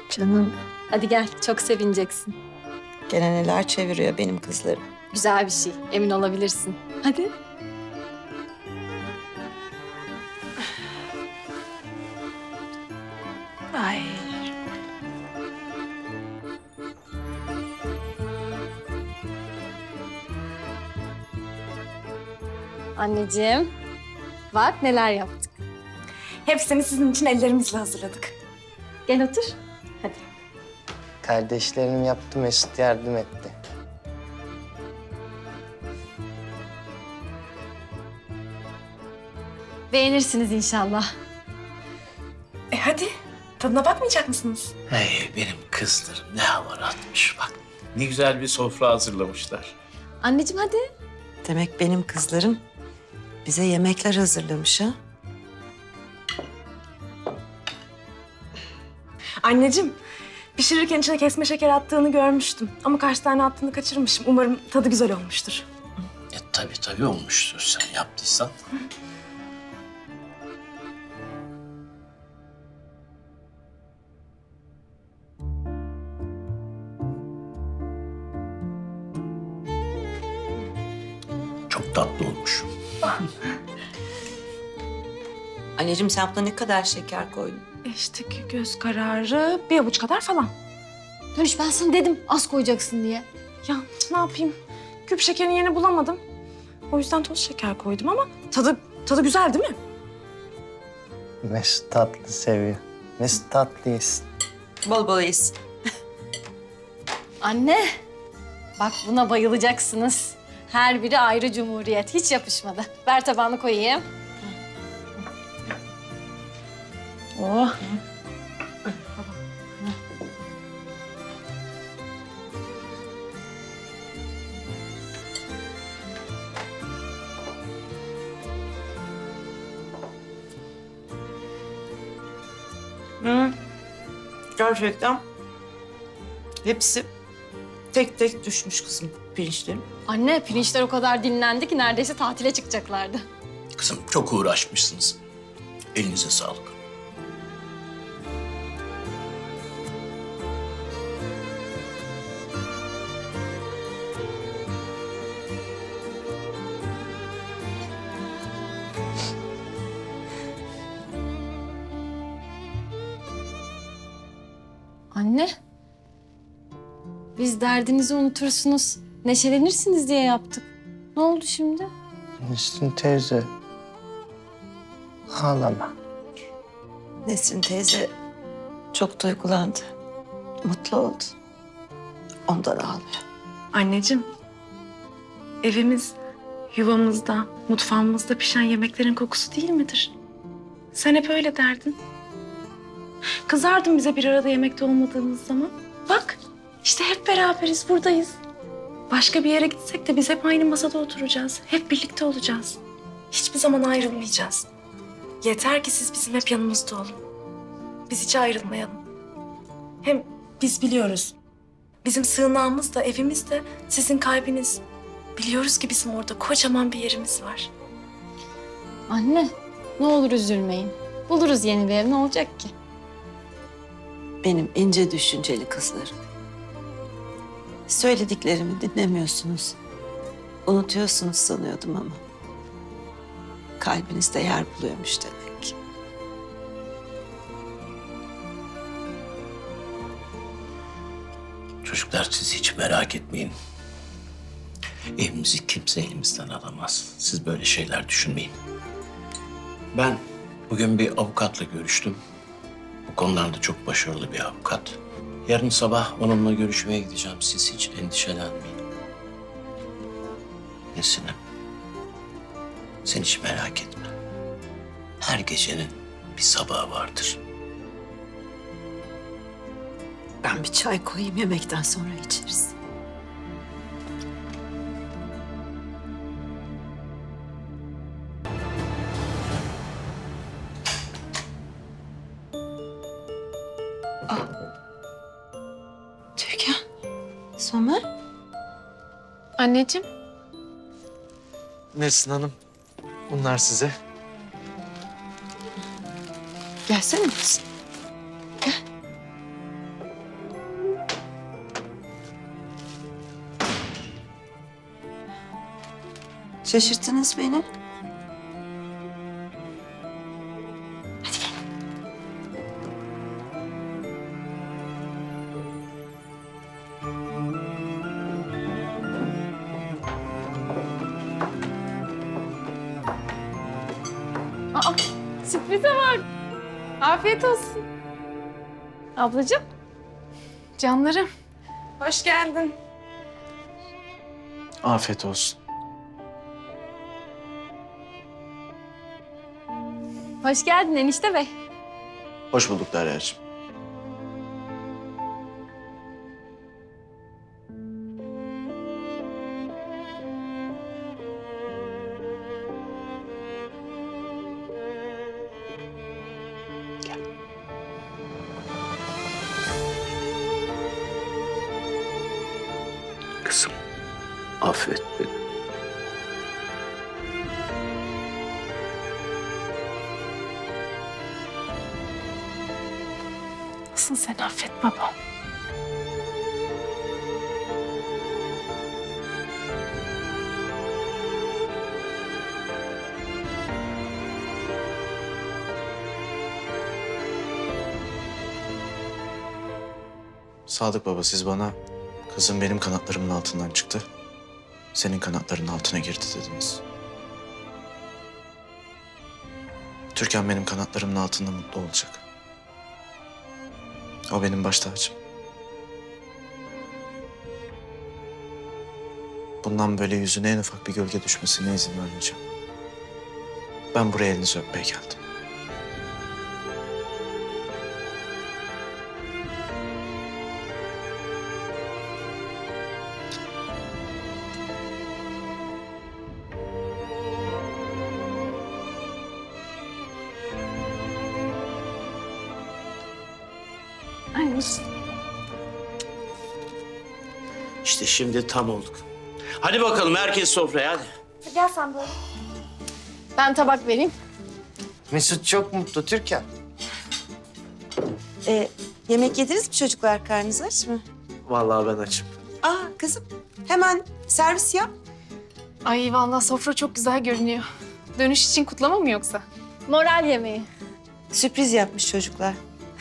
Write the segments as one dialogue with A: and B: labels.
A: Canım,
B: Hadi gel, çok sevineceksin.
A: gene neler çeviriyor benim kızlarım.
B: Güzel bir şey, emin olabilirsin. Hadi.
A: Ay.
B: Anneciğim, bak neler yaptık.
C: Hepsini sizin için ellerimizle hazırladık.
B: Gel otur. Hadi.
D: Kardeşlerim yaptı, Mesut yardım etti.
B: Beğenirsiniz inşallah.
C: Hadi. Tadına bakmayacak mısınız?
E: Hey benim kızlarım ne hava atmış bak. Ne güzel bir sofra hazırlamışlar.
B: Anneciğim hadi.
A: Demek benim kızlarım bize yemekler hazırlamış ha?
C: Anneciğim, pişirirken içine kesme şeker attığını görmüştüm. Ama kaç tane attığını kaçırmışım. Umarım tadı güzel olmuştur.
E: Tabii olmuştur sen yaptıysan. Çok tatlı olmuş.
A: Anneciğim sen buna ne kadar şeker koydun?
C: İşte göz kararı bir avuç kadar falan.
B: Dönüş ben sana dedim az koyacaksın diye.
C: Ya ne yapayım? Küp şekerin yerini bulamadım. O yüzden toz şeker koydum ama tadı güzel değil mi?
D: Mesut tatlı seviyor. Mesut tatlı yesin.
A: Bol bol yesin.
B: Anne, bak buna bayılacaksınız. Her biri ayrı cumhuriyet. Hiç yapışmadı. Ver tabağını koyayım.
C: Oh.
A: Hı. Gerçekten hepsi tek tek düşmüş kızım pirinçlerim.
B: Anne, pirinçler o kadar dinlendi ki neredeyse tatile çıkacaklardı.
E: Kızım çok uğraşmışsınız. Elinize sağlık.
B: Anne, biz derdinizi unutursunuz, neşelenirsiniz diye yaptık. Ne oldu şimdi?
D: Mesut teyze. Ağlama.
A: Nesrin teyze çok duygulandı. Mutlu oldu. Ondan ağlıyor.
C: Anneciğim, evimiz, yuvamızda, mutfağımızda pişen yemeklerin kokusu değil midir? Sen hep öyle derdin. Kızardın bize bir arada yemekte olmadığımız zaman. Bak, işte hep beraberiz, buradayız. Başka bir yere gitsek de biz hep aynı masada oturacağız. Hep birlikte olacağız. Hiçbir zaman ayrılmayacağız. Yeter ki siz bizim hep yanımızda olun. Biz hiç ayrılmayalım. Hem biz biliyoruz. Bizim sığınağımız da evimiz de sizin kalbiniz. Biliyoruz ki bizim orada kocaman bir yerimiz var.
B: Anne, ne olur üzülmeyin. Buluruz yeni bir ev, ne olacak ki?
A: Benim ince düşünceli kızlarım. Söylediklerimi dinlemiyorsunuz. Unutuyorsunuz sanıyordum ama. Kalbinizde yer buluyormuş demek.
E: Çocuklar siz hiç merak etmeyin. Evimizi kimse elimizden alamaz. Siz böyle şeyler düşünmeyin. Ben bugün bir avukatla görüştüm. Bu konularda çok başarılı bir avukat. Yarın sabah onunla görüşmeye gideceğim. Siz hiç endişelenmeyin. Nesinem, sen hiç merak etme. Her gecenin bir sabahı vardır.
A: Ben bir çay koyayım, yemekten sonra içeriz. Türkan, Somer.
B: Anneciğim.
D: Nesrin Hanım, bunlar size.
A: Gelsene kızım. Gel. Şaşırttınız beni.
B: Aa, sürprize var. Afiyet olsun. Ablacığım.
C: Canlarım, hoş geldin.
D: Afiyet olsun.
B: Hoş geldin enişte bey.
E: Hoş bulduk Derya'cığım. Kızım, affet beni.
C: Nasıl sen affet babam?
F: Sadık baba, siz bana kızım benim kanatlarımın altından çıktı, senin kanatlarının altına girdi dediniz. Türkan benim kanatlarımın altında mutlu olacak. O benim baş tacım. Bundan böyle yüzüne en ufak bir gölge düşmesine izin vermeyeceğim. Ben buraya elinizi öpmeye geldim.
C: Ay,
E: İşte şimdi tam olduk. Hadi bakalım herkes sofraya hadi.
B: Ben tabak vereyim.
D: Mesut çok mutlu Türkan.
A: Yemek yediniz mi çocuklar? Karnınız aç mı?
F: Vallahi ben açım.
A: Aa kızım hemen servis yap.
C: Ay vallahi sofra çok güzel görünüyor. Dönüş için kutlama mı yoksa?
B: Moral yemeği.
A: Sürpriz yapmış çocuklar.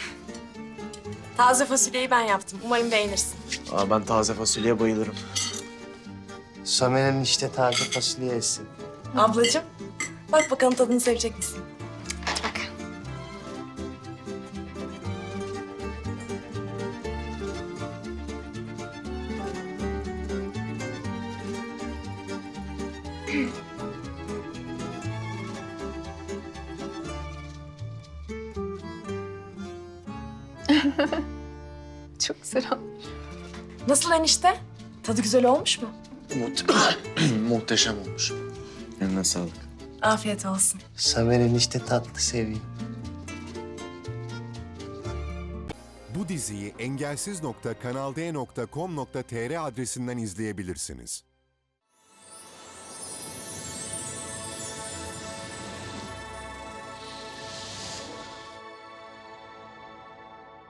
G: Taze fasulyeyi ben yaptım. Umarım beğenirsin.
F: Ben taze fasulyeye bayılırım.
D: Somer'in işte taze fasulye yesin.
G: Ablacığım, bak bakalım tadını sevecek misin?
C: Çok güzel olmuş.
G: Nasıl enişte? Tadı güzel olmuş mu?
F: Muhteşem olmuş. Eline sağlık.
G: Afiyet olsun.
D: Somer'in işte tatlı seviyor.
H: Bu diziyi engelsiz.kanalde.com.tr adresinden izleyebilirsiniz.